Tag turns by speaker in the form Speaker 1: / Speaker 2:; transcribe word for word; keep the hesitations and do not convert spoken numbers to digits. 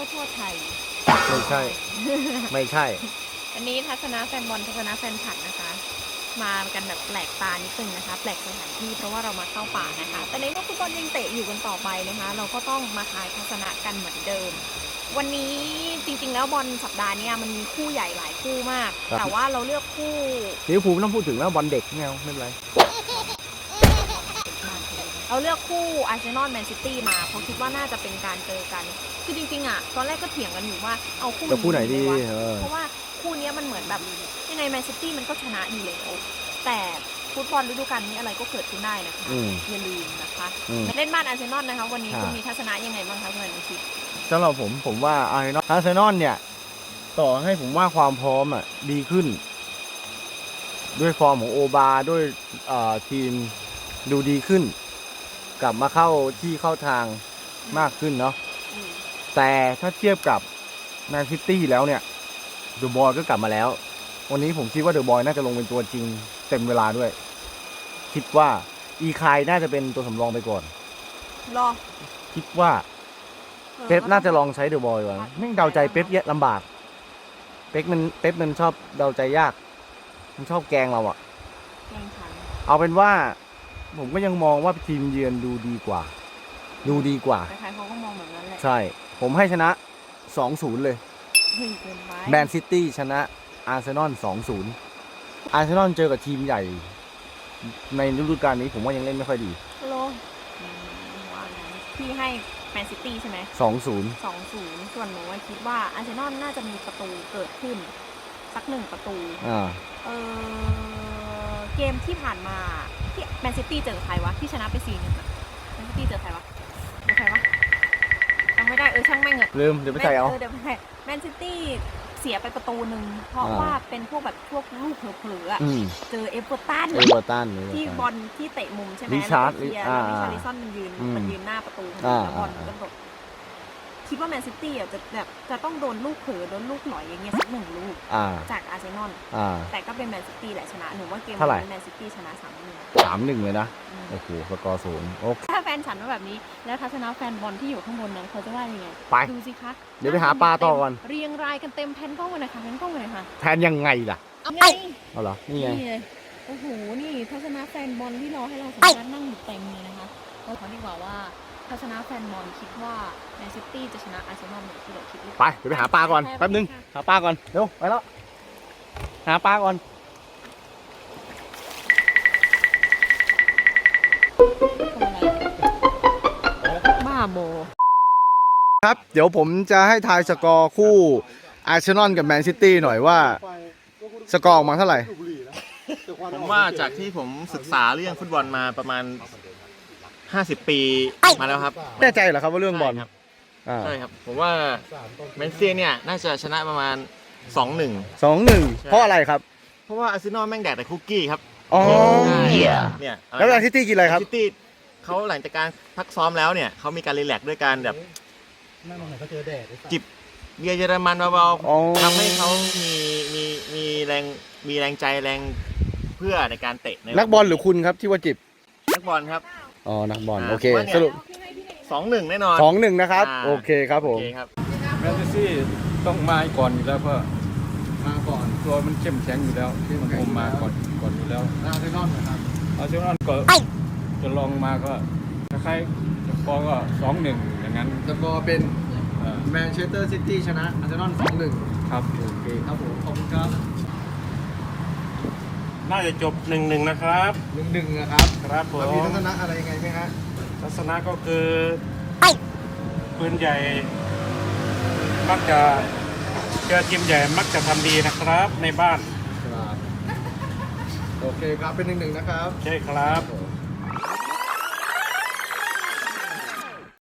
Speaker 1: ทั่วไทย
Speaker 2: ไม่ใช่ ไม่ใช่
Speaker 1: วันนี้ทัศนะแฟนบอลทัศนะแฟนผัดนะคะ มากันแบบแปลกตานิดนึงนะคะแปลกสถานที่เพราะว่าเรามาเข้าป่านะคะแต่ในเมื่อฟุตบอลยังเตะอยู่กันต่อไปนะคะเราก็ต้องมาทายทัศนะกันเหมือนเดิมวันนี้จริงๆแล้วบอลสัปดาห์นี้มันมีคู่ใหญ่หลายคู่มากแต่ว่าเราเลือกคู่
Speaker 2: ลิเวอร์พูลไม่ต้องพูดถึงแล้วบอลเด็กไม่เอาไม่เป็นไร
Speaker 1: เราเลือกคู่อาร์เซนอลแมนซิตี้มาเพราะคิดว่าน่าจะเป็นการเจอกันคือจริงๆอ่ะตอนแรกก็เถียงกันอยู่ว่าเอาคู่
Speaker 2: คู่ไหนดี
Speaker 1: เพราะว่าคู่นี้มันเหมือนแบบยังไงแมนซิตี้มันก็ชนะอยู่แล้วแต่ฟุตบอลฤดูกาลนี้อะไรก็เกิดขึ้นได้นะคะอย่าลืมนะคะเล่นบ้านอาร์เซนอลนะคะวันนี้คุณมีทัศนะยังไงบ้างคะคุณอนุชิต
Speaker 2: สำหรับผมผมว่าอาร์เซนอลอาร์เซนอลเนี่ยต่อให้ผมว่าความพร้อมอ่ะดีขึ้นด้วยฟอร์มของโอบาด้วยทีมดูดีขึ้นกลับมาเข้าที่เข้าทางมากขึ้นเนาะแต่ถ้าเทียบกับแมนซิตี้แล้วเนี่ยเดอะบอยก็กลับมาแล้ววันนี้ผมคิดว่าเดอะบอยน่าจะลงเป็นตัวจริงเต็มเวลาด้วยคิดว่าอีคายน่าจะเป็นตัวสำรองไปก่อน
Speaker 1: รอ
Speaker 2: คิดว่าเป๊ปน่าจะลองใช้เดอะบอยก่อนไม่เดาใจเป๊ปเยอะลำบากเป๊ปมันเป๊ปมันชอบเดาใจยากมันชอบแกงเราอะ
Speaker 1: แกงฉัน
Speaker 2: เอาเป็นว่าผมก็ยังมองว่าทีมเยือนดูดีกว่าดูดีกว่า
Speaker 1: ใครๆเขาก็มองแบบนั้นแหละ
Speaker 2: ใช่ผมให้ชนะ สองศูนย์ เลยแมนซิตี้ชนะอาร์เซนอล สองศูนย์ อาร์เซนอลเจอกับทีมใหญ่ในฤดูกาลนี้ผมว่ายังเล่นไม่ค่อยดี
Speaker 1: โลพี่ให้แมนซิตี้ใช่ไหม
Speaker 2: สองศูนย์
Speaker 1: สองศูนย์ส่วนหนูคิดว่าอาร์เซนอลน่าจะมีประตูเกิดขึ้นสักหนึ่งประตู
Speaker 2: อ่า
Speaker 1: เออเกมที่ผ่านมาที่แมนซิตี้เจอใครวะที่ชนะไป สี่หนึ่ง อ่ะแมนซิตี้เจอใครวะเจอใครวะจำไม่ได้เออช่างแม่งอะ
Speaker 2: ลืมเดี๋ยวไปใส่เอา
Speaker 1: เออเดี๋ยวไปใส่แมนซิตี้เสียไปประตูหนึ่งเพราะว่าเป็นพวกแบบพวกลูกเผลอๆอ่ะเจอเอเวอร์ตัน
Speaker 2: เอเวอร์ตัน
Speaker 1: ที่บอลที่เตะมุมใช่ไหม
Speaker 2: ลิชาร์ด
Speaker 1: แล้วลิชาริซอนมันยืนมันยืนหน้าประตูแล้วบอลก็ตกคิดว่าแมนซิตี้อ่ะจะแบบจะต้องโดนลูกเผลอโดนลูกหลอยอย่างเงี้ยสักหนึ่งลูกจากอาร์เซนอลแต่ก็เป็นแมนซิตี้แหละชนะหนูว่าเกมนี้แมนซิตี้ชนะสามหนึ่ง
Speaker 2: สามหนึ่งเลยนะโอ้โหสกอร์สูงโอเค
Speaker 1: ถ้าแฟนฉันว่าแบบนี้แล้วทัศนะแฟนบอลที่อยู่ข้างบนนั้นเขาจะว่ายังไง
Speaker 2: ไป
Speaker 1: ดูสิคะ
Speaker 2: เดี๋ยวไปหาปลาต่อก่อน
Speaker 1: เรียงรายกันเต็มแผ่นกล้องเลยค่ะแผ่นกล้องเลยค่ะ
Speaker 2: แทนยังไงล่ะ
Speaker 1: เอาไง
Speaker 2: เอาเหรอนี่ไง
Speaker 1: โอ้โหนี่ทัศนะแฟนบอลที่รอให้เราสัมภาษณ์นั่งอยู่เต็มเลยนะคะก็ขอดีกว่าว่าทัศนะแฟนบอลคิดว่าแมนซิตี้จะชนะอาร์เซนอลเหมือนที่เราคิดหรือเป
Speaker 2: ล่า
Speaker 1: ไป
Speaker 2: เดี๋ยวไปหาปลาก่อนแป๊บนึงหาปลาก่อนเร็วไปแล้วหาปลาก่อน
Speaker 1: บ้าโม
Speaker 2: ครับเดี๋ยวผมจะให้ทายสกอร์คู่อาร์เซนอลกับแมนซิตี้หน่อยว่าสกอร์ออกมาเท่าไหร่
Speaker 3: ผมว่าจากที่ผมศึกษาเรื่องฟุตบอลมาประมาณห้าสิบปีมาแล้วครับ
Speaker 2: แน่ใจเหรอครับว่าเรื่องบอล
Speaker 3: ครับใช่ครับผมว่าแมนซิตี้เนี่ยน่าจะชนะประมาณ สองหนึ่ง
Speaker 2: สองหนึ่ง เพราะอะไรครับ
Speaker 3: เพราะว่าอาร์เซนอลแม่งแดกแต่คุกกี้ครับ
Speaker 2: อ๋อ
Speaker 3: เนี่ย
Speaker 2: แล้วแมนซิตี้กินอะไรครับ
Speaker 3: แมนซิตี้เขาหลังจากการพักซ้อมแล้วเนี่ยเขามีการรีแลกซ์ด้วยการแบบจิบเบียร์เยอรมันเบาๆทำให้เขามีมีมีแรงมีแรงใจแรงเพื่อในการเตะ
Speaker 2: นักบอลหรือคุณครับที่ว่าจิบ
Speaker 3: นักบอลครับ
Speaker 2: อ๋อนักบอลโอเคสรุป
Speaker 3: สองหนึ่งแน่นอน
Speaker 2: สองหนึ่งนะครับโอเคครับผม
Speaker 4: แมนซิตี้ต้องมาก่อนอยู่แล้วเพราะมาก่อนตัวมันเข้มแข็งอยู่แล้วที่มันคงมาก่อนก่อนอยู่แล้ว
Speaker 2: อาร์เซนอลนะครับ
Speaker 4: อาร์เซนอลก็จะลองมาก็คล้ายๆสกอร์ก็สองหนึ่งอย่างนั้น
Speaker 2: สกอร์เป็นแมนเชสเตอร์ซิตี้ชนะอาร์เซนอลสองหนึ่ง
Speaker 4: ครับ
Speaker 2: โอเคครับผมขอบคุณครับ
Speaker 4: น่าจะจบหนึ่งหนึ่งนะครับ
Speaker 2: หนึ่งหนึ่งนะครับ
Speaker 4: ครับผม
Speaker 2: มีทัศนะอะไรยังไงไหมฮะ
Speaker 4: ทัศนะก็คือปืนใหญ่มักจะเจอทีมใหญ่มักจะทำดีนะครับในบ้าน
Speaker 2: ครับโอเคครับเป็นหนึ่งหนึ่งนะครับ
Speaker 4: ใช่ครับ